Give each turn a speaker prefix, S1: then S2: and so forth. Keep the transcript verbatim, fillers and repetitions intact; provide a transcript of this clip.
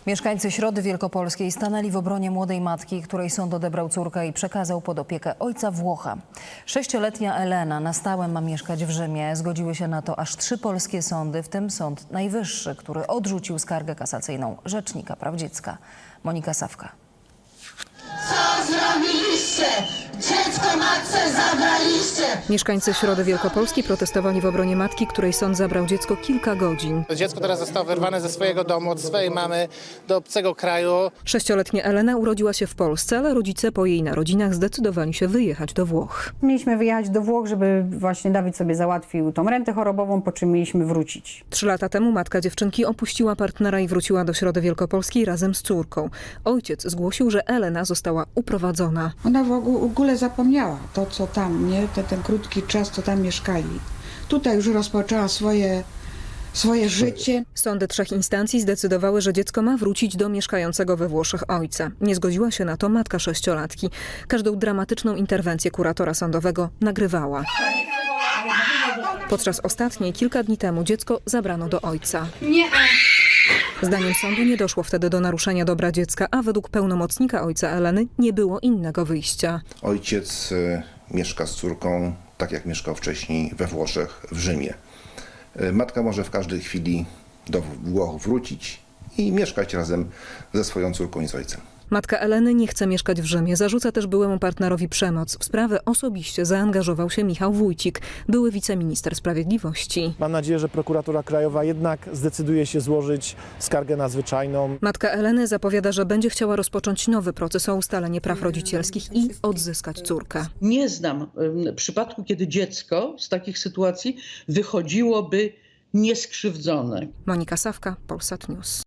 S1: Mieszkańcy Środy Wielkopolskiej stanęli w obronie młodej matki, której sąd odebrał córkę i przekazał pod opiekę ojca Włocha. Sześcioletnia Elena na stałe ma mieszkać w Rzymie. Zgodziły się na to aż trzy polskie sądy, w tym Sąd Najwyższy, który odrzucił skargę kasacyjną Rzecznika Praw Dziecka. Monika Sawka.
S2: Co zrobiliście? Dziecko matce zabraliście!
S3: Mieszkańcy Środy Wielkopolskiej protestowali w obronie matki, której sąd zabrał dziecko kilka godzin.
S4: Dziecko teraz zostało wyrwane ze swojego domu, od swojej mamy do obcego kraju.
S3: Sześcioletnia Elena urodziła się w Polsce, ale rodzice po jej narodzinach zdecydowali się wyjechać do Włoch.
S5: Mieliśmy wyjechać do Włoch, żeby właśnie Dawid sobie załatwił tą rentę chorobową, po czym mieliśmy wrócić.
S3: Trzy lata temu matka dziewczynki opuściła partnera i wróciła do Środy Wielkopolskiej razem z córką. Ojciec zgłosił, że Elena została uprowadzona.
S6: Ona w ogóle zapomniała to, co tam, nie? Ten, ten krótki czas, co tam mieszkali. Tutaj już rozpoczęła swoje, swoje życie.
S3: Sądy trzech instancji zdecydowały, że dziecko ma wrócić do mieszkającego we Włoszech ojca. Nie zgodziła się na to matka sześciolatki. Każdą dramatyczną interwencję kuratora sądowego nagrywała. Podczas ostatniej, kilka dni temu, dziecko zabrano do ojca. Zdaniem sądu nie doszło wtedy do naruszenia dobra dziecka, a według pełnomocnika ojca Eleny nie było innego wyjścia.
S7: Ojciec y, mieszka z córką, tak jak mieszkał wcześniej we Włoszech, w Rzymie. Y, matka może w każdej chwili do Włoch wrócić i mieszkać razem ze swoją córką i z ojcem.
S3: Matka Eleny nie chce mieszkać w Rzymie. Zarzuca też byłemu partnerowi przemoc. W sprawę osobiście zaangażował się Michał Wójcik, były wiceminister sprawiedliwości.
S8: Mam nadzieję, że prokuratura krajowa jednak zdecyduje się złożyć skargę nadzwyczajną.
S3: Matka Eleny zapowiada, że będzie chciała rozpocząć nowy proces o ustalenie praw rodzicielskich i odzyskać córkę.
S9: Nie znam y, przypadku, kiedy dziecko z takich sytuacji wychodziłoby nieskrzywdzone.
S3: Monika Sawka, Polsat News.